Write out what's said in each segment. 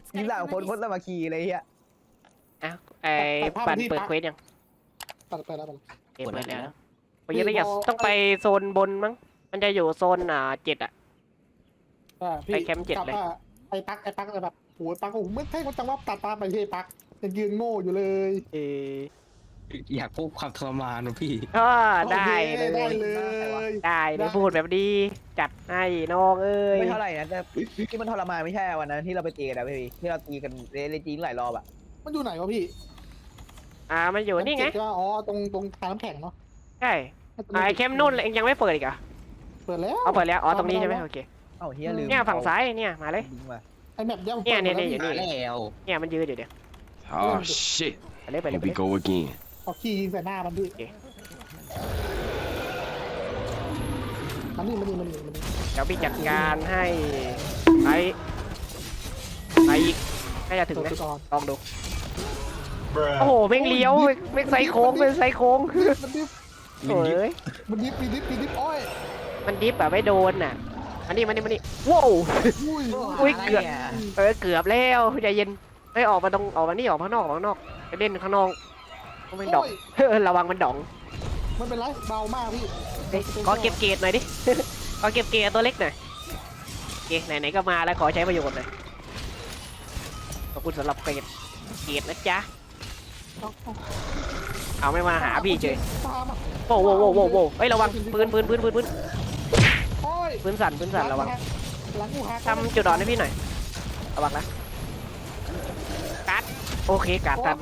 23 คนคนสามัคคีอะไรเงี้ยอ้าวไอ้ปั่นเปิดเควสยังไปแล้วเปิดแล้วไปยังไม่อยากต้องไปโซนบนมั้งมันจะอยู่โซน7อะพี่ไปแคมป์7เลยไอ้ปักเลยแบบโหปักโอ้โหไม่ใช่ว่าจังว่าตัดตามไปที่ปักยังยืนโง่อยู่เลยอยากพบความทรมานนะพี่ก็ได้เลได้ยเลยได้เลยพูดแบบดีจัดให้น้องเอ้ยไม่เท่าไหร่นะแต่ที่มันทรมานไม่ใช่วันนั้นที่เราไปตีกันนะพี่ที่เราตีกันเล่นจริงหลายรอบอะมันอยู่ไหนวะพี่มันอยู่นี่ไงอ๋อตรงทางน้ำแข็งเนาะใช่ไอ้เข้มนุ่นเองยังไม่เปิดอีกเหรอเปิดแล้วเอาเปิดแล้วตรงนี้ใช่ไหมโอเคเอ้าเฮียลืมเนี่ยฝั่งซ้ายเนี่ยมาเลยลิงก์มาไอ้แมปย่ำเนี่ยอยู่มานี่แล้วเนี่ยมันยืนอยู่เดี๋ยว Oh shit. ไปเลย Here we go again. เอาขี้ยิงใส่หน้ามันพี่มันนี่เดี๋ยวพี่จัดการให้ไปอีกน่าจะถึงนะลองดูโอ้โหแม่งเลี้ยวแม่งไซโค้งเป็นไซโค้งมันดิบโอ้ยมันดิบอ้อยมันดิฟแบบไม่โดนน่ะมันนี่ว้าว อุ้ยเกือบ เกือบแล้วใจเย็นไอออกมานี่ออกข้างนอกไปเล่นข้างนอกไม่ดองระวังมันดองมันเป็นไรเบามากพี่ขอเก็บเกรดหน่อยดิ ขอเก็บเกรดตัวเล็กหน่อยโอเคไหนๆก็มาแล้วขอใช้ประโยชน์หน่อยขอบคุณสำหรับเกรดนะจ๊ะเอาไม่มาหาพี่เฉยตามอ่ะโว้เฮ้ยระวังปืนโอ้ยปืนสั่นระวังหลังกูหักทำจุดอ่อนให้พี่หน่อยระวังนะกัดโอเคกัดทัน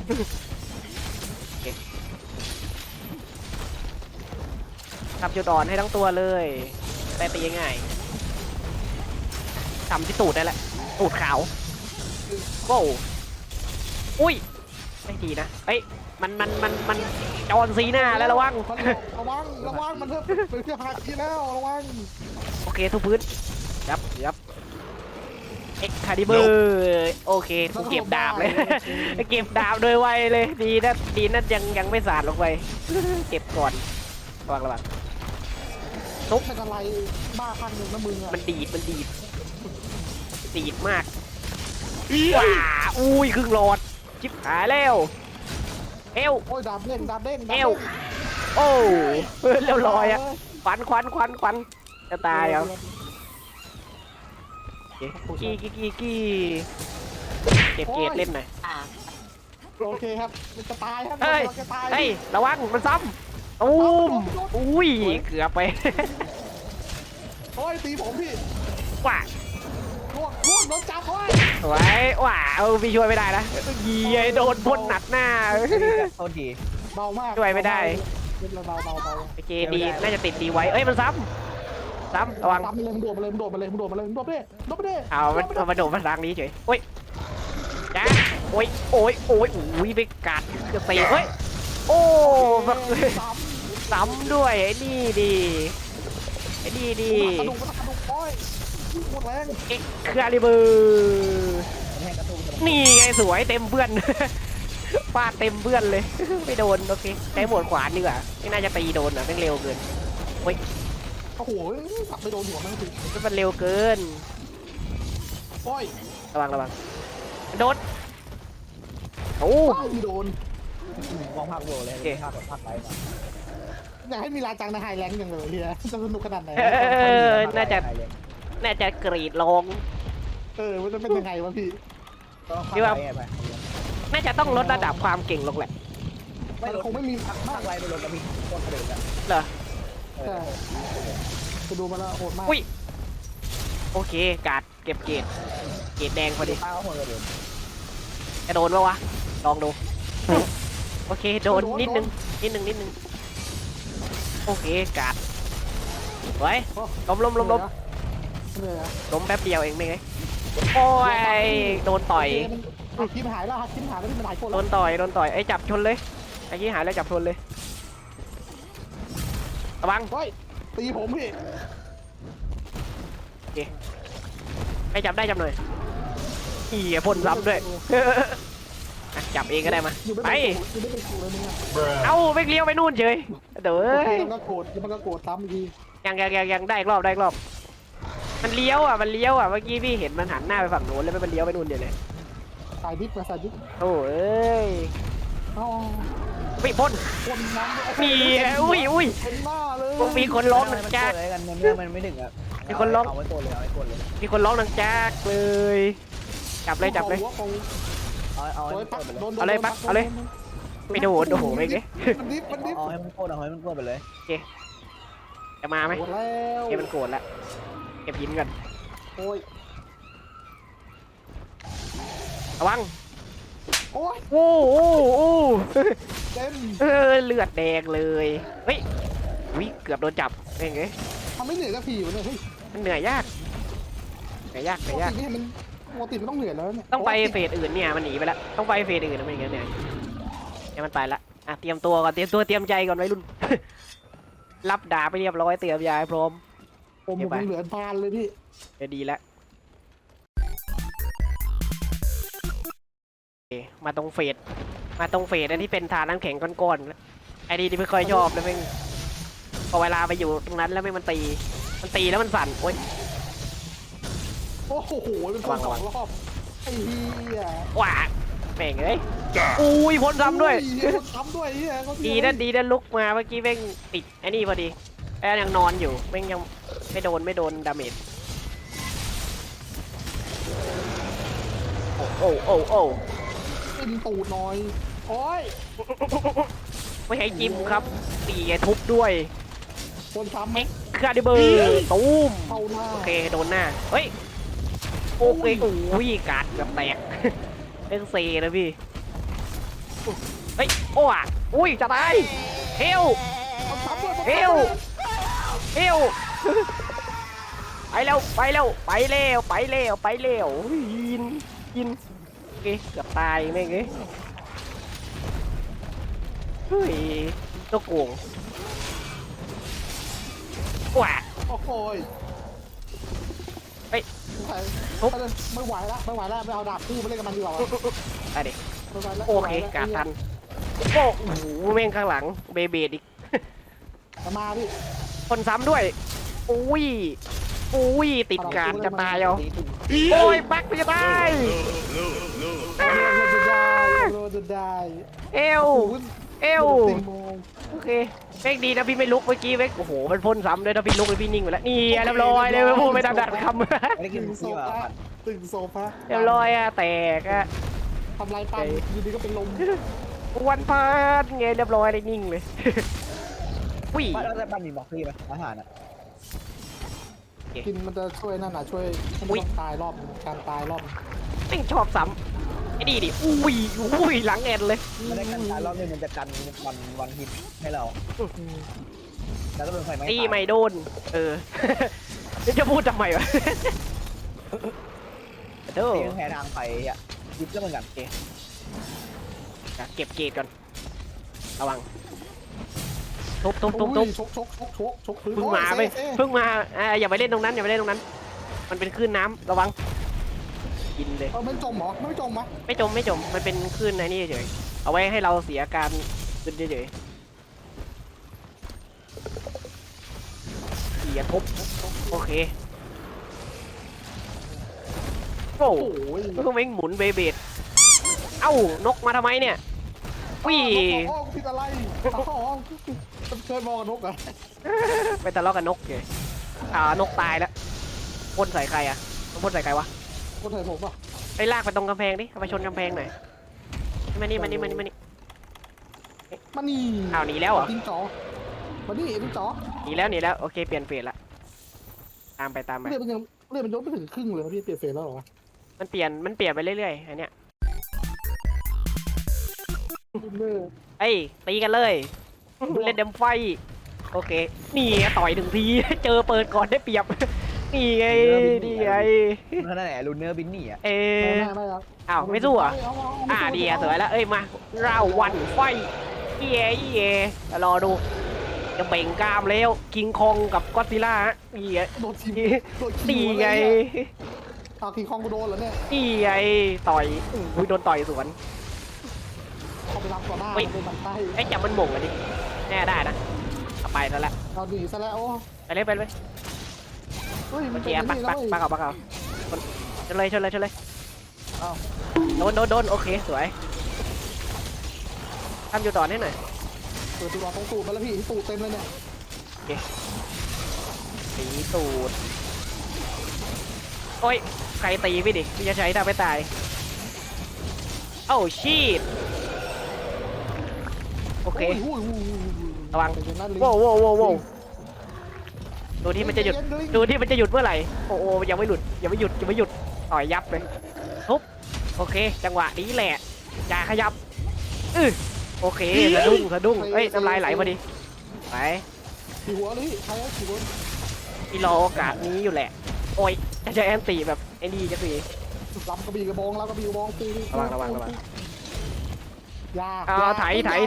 ทำจุดอ่อนให้ทั้งตัวเลยได้ไปยังไงทำที่ตูดได้แหละตูดขาวโว้อุ้ยไม่ดีนะเอ้ยมันจอนซีหน้าแล้วระวังระวังมันเถอะเป็นเครื่องหักทีแล้วระวังโอเคทุกพื้นยับเอ็กคาดิเบอร์โอเคกูเก็บดาบเลย เก็บดาบโดยไวเลยดีนะยังไม่สาดลงไป เก็บก่อนระวังทุบเป็นอะไรบ้าพันหนึ่งนะมึงอ่ะมันดีดมากว้าอุ้ยครึ่งหลอดชิบหายแล้วเอวโอ้ยดาบเด้งเอวโอ้เรียบร้อยอะควันจะตายเหรอกี้เก็บเกรดเล่นหน่อยโอเคครับมันจะตายครับเฮ้ยจะตายระวังมันซ้ำตูมอุ้ยเกือบไปโอ้ยตีผมพี่ว้าล่วงโดนจับโอ้ยสวยว้าพี่ช่วยไม่ได้นะยีโดนพ่นหนัดหน้าโทษทีเบามากช่วยไม่ได้เบาโอเคดีน่าจะติดดีไว้เอ้ยมันซ้ำระวังตามไปเลยมึงโดดมาเลยมึงโดดไปดิเอามาโดดมาทางนี้เฉยโอ้ยจ้าโอ้ยไปกัดกระตีเฮ้ยโอ้ซ้ำด้วยไอ้นี่ดีกระดูกโอ้ยหมดแรงเอ็กคาลิเบอร์นี่ไงสวยเต็มเพื่อน ฟาดเต็มเพื่อนเลย ไม่โดนโอเคใช้หมวดขวานดีกว่าไม่น่าจะตีโดนอ่ะมันเร็วเกินโอ้ยโอ้โหสับไปโดนหัวมันสิมันเร็วเกินโอ้ยระวังโดนโอ้โดนมองภาพโลเลยภาพไปมาอยากให้มีลาจังในไฮแลนด์อย่างเลยเฮียจะสนุกขนาดไหนน่าจะกรีดลงมันจะเป็นยังไงวะพี่ที่ว่าน่าจะต้องลดระดับความเก่งลงแหละคงไม่มีมากไรไปลดแล้วมีต้นกระเด็นอะเหรอจะดูมาแล้วโหดมากอุ้ยโอเคการ์ดเก็บเกรดแดงพอดีป้าเขาหัวกระเด็นจะโดนปะวะลองดูโอเคโดนนิดนึงโอเคการ์ดไว้ล้มแป๊บเดียวเองไม่ไงโอ้ยโดนต่อยคิมหายแล้วที่มันหายคนโดนต่อยไอ้จับชนเลยไอ้ที่หายแล้วจับชนเลยระวังเฮ้ยตีผมพี่โอเคไอ้จับได้จับหน่อยพ่นซ้ำด้วยจับเองก็ได้มาไปเอาไปเลี้ยวไปนู่นเฉยเดี๋ยวมันก็โกรธซ้ำอีกทียังได้อีกรอบมันเลี้ยวอ่ะเมื่อกี้พี่เห็นมันหันหน้าไปฝั่งโน้นแล้วมันเลี้ยวไปนู่นเดี๋ยวเลยสายดิฟมาสายดิฟโอ้ยอ๋อไม่พ้นคนน้ำมีอุ้ยเต็มหน้าเลยมีคนร้องหนังมันจากเลยกันเนื้อมันไม่ถึงอ่ะมีคนร้องเอาไว้ตัวเลยเอาไว้ตัวเลยมีคนร้องหนังจากเลยจับเลยหัวของเอาโดให้ยมันปักโกรธไปเลยโดนเอาเลยปักเอาเลย ไม่โดนโอ้โหไม่เงี้ยมันดิฟมันดิฟเอาให้มันโกรธเอาให้มันโกรธไปเลยจะมาไหมหมดแล้วเกมมันโกรธแล้วเก็บหินก่อนโอ้ยระวังโอ้ยโอ้โอ้เต็มเลือดแดงเลยเฮ้ยวิเกือบโดนจับเองไงทำไม่เหนื่อยสักทีวะเนี่ยเฮ้ยมันเหนื่อยยากเหนื่อยยากปกตินี่มันปกติมันต้องเหนื่อยแล้วเนี่ยต้องไปเฟสอื่นเนี่ยมันหนีไปแล้วต้องไปเฟสอื่นนะไม่งั้นเนี่ยเนี่ยมันไปละอ่ะเตรียมตัวก่อนเตรียมใจก่อนไว้รุ่น รับดาบไปเรียบร้อยเตรียมยาให้พร้อมผมยังเหลือทานเลยพี่เดี๋ยวดีแล้วโอเคมาตรงเฟสอันที่เป็นทานน้ำแข็งก้อนๆไอ้นี่ที่ไม่ค่อยชอบเลยแม่งพอเวลาไปอยู่ตรงนั้นแล้วแม่งมันตีแล้วมันสั่นโอ๊ยโอ้โหเป็นคนสองรอบไอ้เหี้ยว้าแม่งเอ้ยอุ้ยพ้นซ้ำด้วยคนซ้ำด้วยเหี้ยเขาดีนั่นลุกมาเมื่อกี้แม่งติดไอ้นี่พอดีไอ้ยังนอนอยู่แม่งยังไม่โดนดาเมจโอ้กินตูดหน่อยโอ้ยไม่ให้จิ้มครับตีไงทุบด้วยคนซ้ำไหมคาดิเบอร์ตูมเข้าหน้าโอเคโดนหน้าเฮ้ยโอเคโอ้ยกาดเกือบแตกเป็นเซนะพี่เฮ้ยโอ้อะอุ้ยจะตายเฮลคนซ้ำด้วยเฮลไปเร็วยินโอเคเกือบตายแม่งเอ้ยเฮ้ยตัวโกงว้าโอ้โหเฮ้ยไม่ไหวแล้วไม่เอาดาบคู่มาเล่นกับมันดีกว่าไปดิไม่ไหวแล้วโอเคกาดทันโอ้โหแม่งข้างหลังเบเบดอีกมาพี่คนซ้ำด้วยอุ้ยติดการจะตายเอาตีถึงโอ้ยปักจะตายโดนจะได้เอวโอเคเม่งดีนะพี่ไม่ลุกเมื่อกี้เม่งโอ้โหมันพ่นซ้ำเลยถ้าพี่ลุกเลยพี่นิ่งไปแล้วนี่เรียบร้อยเลยไม่พูดไม่ทันดัดคำไม่ได้กินตึงโซที่ว่าฟาตึงโซฟาเรียบร้อยอะแตกอะทำลายปั้นอยู่ดีก็เป็นลมวันพาดไงเรียบร้อยเลยนิ่งเลยวิ่งแล้วแต่บ้านมีบล็อกพี่ไหมอาหารอ่ะกินมันจะช่วยนั่นน่ะช่วยให้ไม่ต้องตายรอบการตายรอบแม่งชอบซ้ำไอ้นี่ดิอุ้ยหลังแอนเลยไม่ได้กันตายรอบนึงมันจะกันวันฮิตให้เราแล้วก็โดนไฟไหม้ตีไม่โดนจะพูดทำไมวะเด้อตีแพ้ทางไฟอ่ะยิบก็เหมือนกันเก็บเกตก่อนระวังทุบชกพื้นเพิ่งมาไปเพิ่งมาอย่าไปเล่นตรงนั้นมันเป็นคลื่นน้ำระวังกินเลยไม่จมหรอไม่จมมะไม่จมมันเป็นคลื่นไอ้นี่เฉยเอาไว้ให้เราเสียการขึ้นเฉยเสียทุบโอเคโอ้โอ้ยเพิ่งแม่งหมุนเบเบดเอ้านกมาทำไมเนี่ยวิ่งผิดอะไรเคยมองนกเหรอไปทะเลาะกับนกเลยนกตายแล้วพ่นใส่ใครอะพ่นใส่ใครวะคนไทยผมป่ะไปลากไปตรงกำแพงดิเอาไปชนกำแพงหน่อยมานี่มันนี่อ้าวหนีแล้วเหรอทิ้งจ๋อมันนี่ทิ้งจ๋อหนีแล้วโอเคเปลี่ยนเฟสละตามไปเลื่อนมันยกไม่ถึงครึ่งเลยพี่เปลี่ยนเฟสแล้วหรอมันเปลี่ยนไปเรื่อยๆอันเนี้ยเอ้ยตีกันเลยเล่นเดมไฟโอเคนี่ต่อยถึงที เจอเปิดก่อนได้เปรียบนี่ไงนั่นแหละลูเนอร์บินนี่อ่ะไม่ครับอ้าวไม่สู้อ่ะดีอ่ะสวยแล้วเอ้ยมาเราวันไฟเย่รอดูจะเบ่งกล้ามแล้วคิงคองกับก็อดซิลล่านี่ไงโดนทีมนี่ไงเอาทีคองกูโดนเหรอเนี่ยนี่ไงต่อยอุ้ยโดนต่อยสวนเขาไปรับต่อหน้าเป็นบันไดไอ้จับมันหม่งกันดิแน่ได้นะเอาไปซะแล้วเราหนีซะแล้วโอ้ไปเลยเฮ้ยโอมันเคเป็นปักนี่ปัแล้กวปักเอาชนเลยชนเลยชนเลยอ้าวโดนโอเคสวยทำอยู่ต่อให้หน่อยเปิดตัวตรงตูดมาแล้วพี่ตูดเต็มเลยเนี่ยตีตูดโอ้ยใครตีพี่ดิพี่จะใช้ทำไม่ตายเอ้าชีดโอเคโอ้ยระวังเดี๋ยวนั่นลิงโว้วโว้วโว้วโว้วดูที่มันจะหยุดดูที่มันจะหยุดเมื่อไหร่โอ้โหยังไม่หลุดยังไม่หยุดยังไม่หยุดต่อยยับเลยทุบโอเคจังหวะนี้แหละอย่าขยับโอเคสะดุ้งเอ้ยน้ำลายไหลพอดีไปขี่หัวเลยพี่ใครอะขี่หัวพี่รอโอกาสนี้อยู่แหละโอ้ยจะใช้แอนตี้แบบไอ้นี่จะสิลำกระบี่กระบองลำกระบี่กระบองตีระวังยาไถ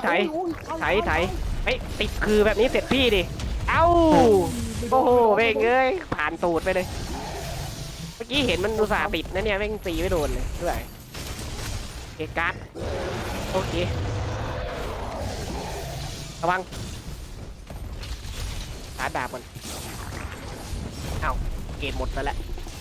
เฮ้ยติดคือแบบนี้เสร็จพี่ดิเอ้าโอ้โหเบ่งเอ้ยผ่านตูดไปเลยเมื่อกี้เห็นมันอุตส่าห์ติดนะเนี่ยแม่งตีไม่โดนเลยด้วยเกการ์ดโอเคระวังชาร์จดาบก่อนเอ้าเกณฑ์หมดแล้วแหละ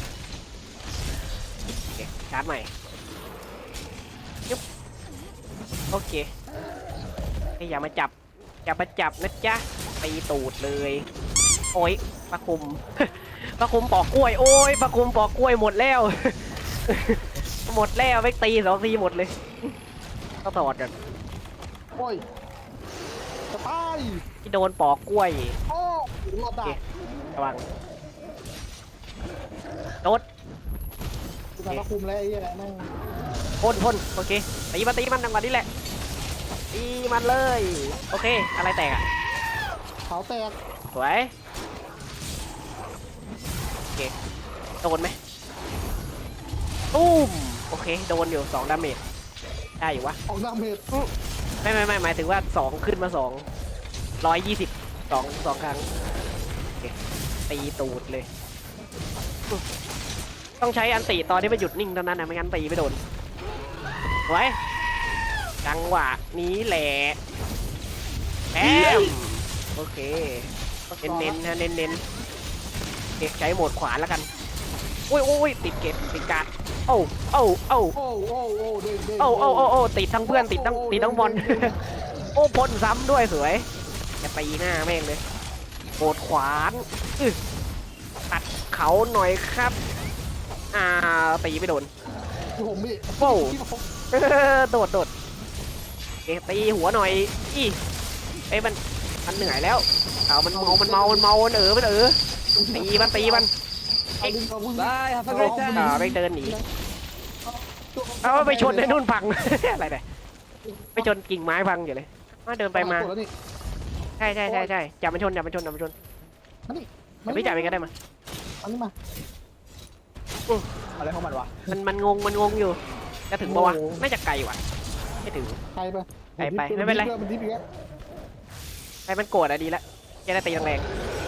โอเคชาร์จใหม่ยุบโอเคอย่ามาจับนะจ๊ะตีตูดเลยโอ้ยปลาคุม ปลาคุมปอกกล้วยโอ้ยปลาคุมปอกกล้วยหมดแล้ว หมดแล้วไปตี2 ทีหมดเลยต้องถอดกันโอ้ยจะตายที่โดนปอกกล้วยโอ้รอดได้ระวังโดดจะมาคุมแล้วไอ้เนี่ยนั่งพ่นโอเคตีมันจังหวะนี้แหละตีมันเลยโอเคอะไรแตกอ่ะเขาแตกสวยโอเคโดนไหมตุ้มโอเคโดนอยู่2 ดาเมจได้อยู่วะออกหน้าเมดไม่หมายถึงว่า2ขึ้นมา120 2 ครั้งโอเคตีตูดเลยต้องใช้อันตีตอนที่มันหยุดนิ่งเท่านั้นนะไม่งั้นตีไม่โดนไว้จังหวะนี้แหละแอมโอเคเน้นๆฮะเน้นเก็บใช้โหมดขวาแล้วกันโอ้ยติดเก็บติดการ์ดโอ้โอ้เด้งติดทั้งเพื่อนติดทั้งบอล โอ้พ่นซ้ำด้วยสวยจะตีหน้าแม่งเลยโหดขวานตัดเขาหน่อยครับตีไม่โดนคือผมพี่โว้ว โดดตีหัวหน่อยเอ้ยมันเหนื่อยแล้วเอามันเมามันตีมันเอาลิงเอาพุ่งบายครับเกรซ่าไปเดินหนีเอาไปชนในนู่นพัง อะไรเนี่ยไปชนกิ่งไม้พังอยู่เลยเดินไปมาใช่จับมันชนอย่าไม่จับไปก็ได้มาอันนี้มาอะไรของมันวะมันงงอยู่จะถึงปะวะน่าจะไกลว่ะไม่ถึงใครไปไปไม่เป็นไรมันดิบอีกแล้วไอ้มันโกรธอะดีแล้วจะได้ตีแรงๆ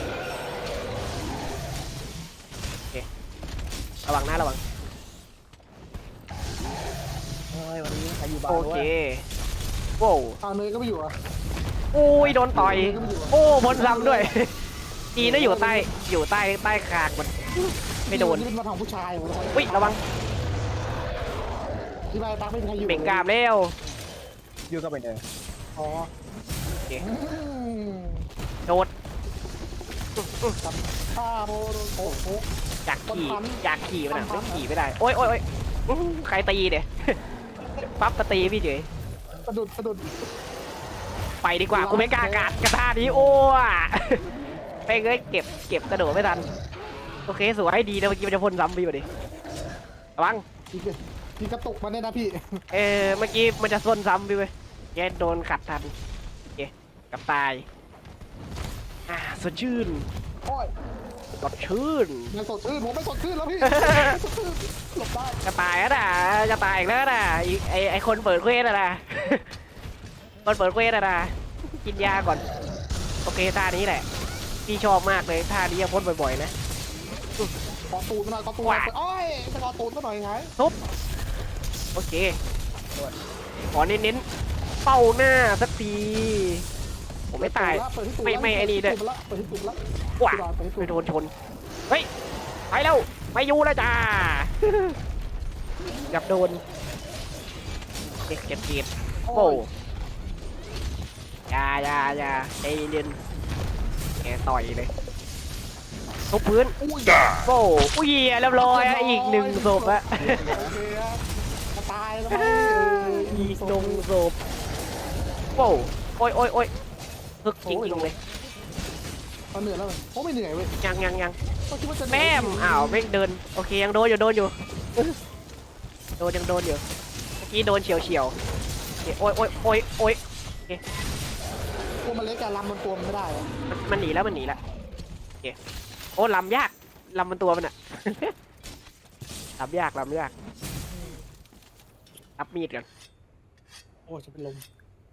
โอเคระวังนะระวังเฮ้ยวันนี้ใครอยู่บ้านโอด้วเคยโว้วเอาเนยก็ไม่อยู่อ่ะโอ้ยโดนต่อยโอ้บนซ้ำด้วยจีน่าอยู่ใต้คางมันไม่โดนนี่เป็นมาทางผู้ชายอุ้ยระวังที่บ้านตักไม่มีใครอยู่เบ่งกรามแล้วอยู่ก็ไปเดินอ๋อโดดข้าโมโอ้โหอยากขี่มันอะไม่ขี่ไม่ได้โอ้ยใครตีเนี่ย ปั๊บมาตีพี่เฉยสะดุดไปดีกว่ากูไม่กล้ากาดกระทานี้โอ้ไปเอ้ยเก็บกระโดดไม่ทันโอเคสวยดีนะเมื่อกี้มันจะพ่นซ้ำไปอยู่ดิระวังพี่กระตุกมาเนี่ยนะพี่เมื่อกี้มันจะพ่นซ้ำไปเว้ยแกโดนขัดทันโอเคกับตายสดชื่นโอ้ยสดชื่นไม่สดชื่นผมไม่สดชื่นแล้วพี่หลบได้จะตายแล้วนะจะตายอีกแล้วนะไอคนเปิดเควสนะ คนเปิดเควสนะกินยาก่อนโอเคท่านี้แหละพี่ชอบมากเลยท่านี้ยังพ่นบ่อยๆนะขอตูดมาหน่อยขอตูดโอ้ยจะขอตูดมาหน่อยไงทุบโอเคขอเน้นๆเป้าหน้าสักทีผมไม่ตายไม่ไอ้นี่ด้วยเปิดที่ตูดแล้วว้าไปโดนชนเฮ้ยไปแล้วไม่อยู่แล้วจ้า จับโดนเจ็บเจ็บโอ้ยาใจเย็นแกต่อยเลยทุบพื้นโอ้อุ้ยเรียบร้อยอะอีกหนึ่งศพอะโอเคครับมาตายแล้วไหมอีกหนึ่งศพโอ้โอ้ยฮึกจริงๆเลยเขาเหนื่อยแล้วโอ้ไม่เหนื่อยเว้ยยังเขาคิดว่าจะเหนื่แม่อยมอ้าวไม่เดินโอเคยังโดนอยู่โดนอยู่เมื่อกี้โดนเฉียวโอ้ยตัวมันเล็กการลำมันตัวมันไม่ได้อะมันหนีแล้วโอเคโอ้ลำยากลำมันตัวมันอะ ลำยากรับมีดกันโอ้จะเป็นลม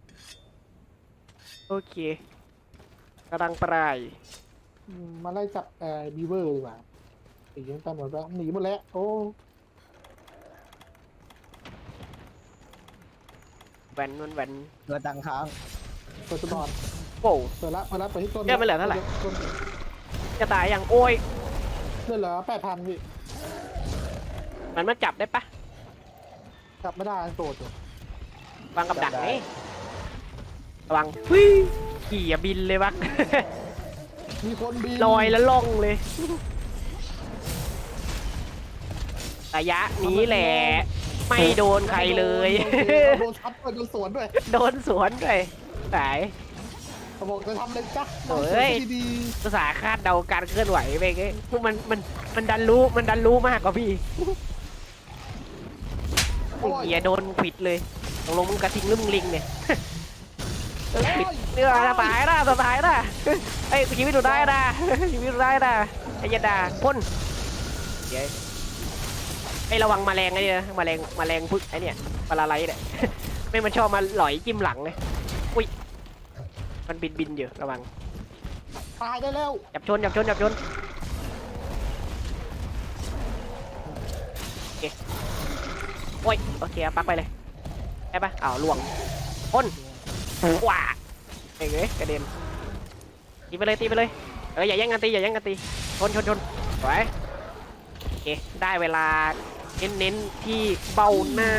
โอเคกำลังปลายมาไล่จับบีเวอร์ดีกว่าหนีกันหมดแล้วหนีหมดแล้วโอ้แวนมันแวนเกิดตังค้างเปิดตัวบอลโอ้เปิดละเปิดที่ต้นเลือดมันเหลือเท่าไหร่ต้นจะตายยังโอ้ยเลือดเหลือ8,000พี่มันจับได้ปะจับไม่ได้โกรธอยู่วางกับดักไงระวังขี่อย่าบินเลยวักมีคนบินลอยแล้วล่องเลยระยะนี้แหละไม่โดนใครเลยโดนทับด้วยโดนสวนด้วยโดนสวนด้วยสายเขาบอกจะทำเลยจ้ะโอ้ยดีภาษาคาดเดาการเคลื่อนไหวไปไงพวกมันดันรู้มากกว่าพี่ๆโอ้ยเหี้ยโดนผิดเลยตกลงมึงกระทิงหรือมึงลิงเนี่ยผิดเนื้อสบายนะไอ้ยชีวิตดูได้นะชีวิตดูได้นะไอ้ยาดาพ่นเดี๋ยวไอ้ระวังแมลงไอ้เนี่ยแมลงพึ่งไอ้เนี่ยปลาไหลเนี่ย ไม่มันชอบมาหลอยจิ้มหลังเลยอุ้ยมันบินอยู่ระวังตายได้แล้วจับชนโอเคโอ้ยโอเคเอาปักไปเลยได้ปะอ้าวล่วงพ่นว้าเอ้ยกระเด็นตีไปเลยอย่าแย่งกันตีชนสวยโอเคได้เวลาเน้นที่เบ้าหน้า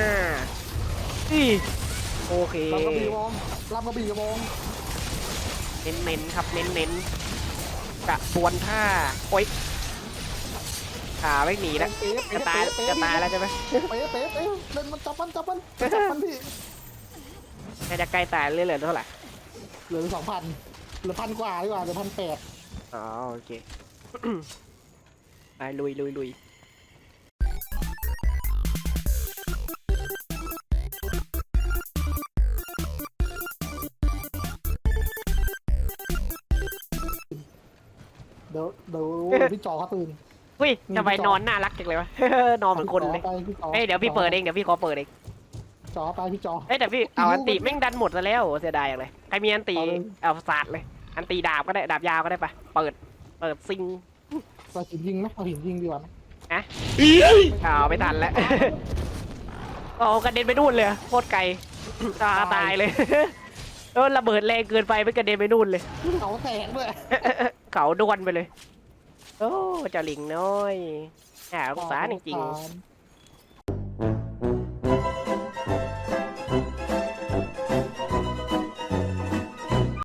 โอเคลำกระบี่มองลำกระบี่กระมองเน้นครับเน้นกระบวนท่าโอ๊ยขาไม่หนีแล้วจะตายแล้วใช่ไหมเป๊ะเล่นมันจับมันพี่น่าจะใกล้ตายเรื่อยๆเท่าไหร่เหลือ2,000เหลือ1,000 กว่าดีกว่าเหลือ1,800 อ๋อโอเค ไปลุยเดี๋ยวพี่จอเขาตื่นอุ้ยทำไมนอนน่ารักจังเลยวะ นอนเหมือนคนเลย เฮ้ยเดี๋ยวพี่เปิดเองเดี๋ยวพี่ขอเปิดเองจอไปพี่จอเฮ้ยแต่พี่เอาอันตีแม่งดันหมดซะแล้วเสียดายอย่างเลยใครมีอันตีเอาเลยเอาสาดเลย อันตีดาบก็ได้ดาบยาวก็ได้ปะเปิดซิงเราหินยิงไหมเอาหินยิงดีกว่าไหมเอาไม่ทันแล้ว โอ้กระเด็นไปนู่นเลยโคตรไกล ตายเลย ระเบิดแรงเกินไปไม่กระเด็นไปนู่นเลยเขาแตกด้วยเขาดวนไปเลย โอ้เจ้าลิงน้อยน่าสงสารจริงๆ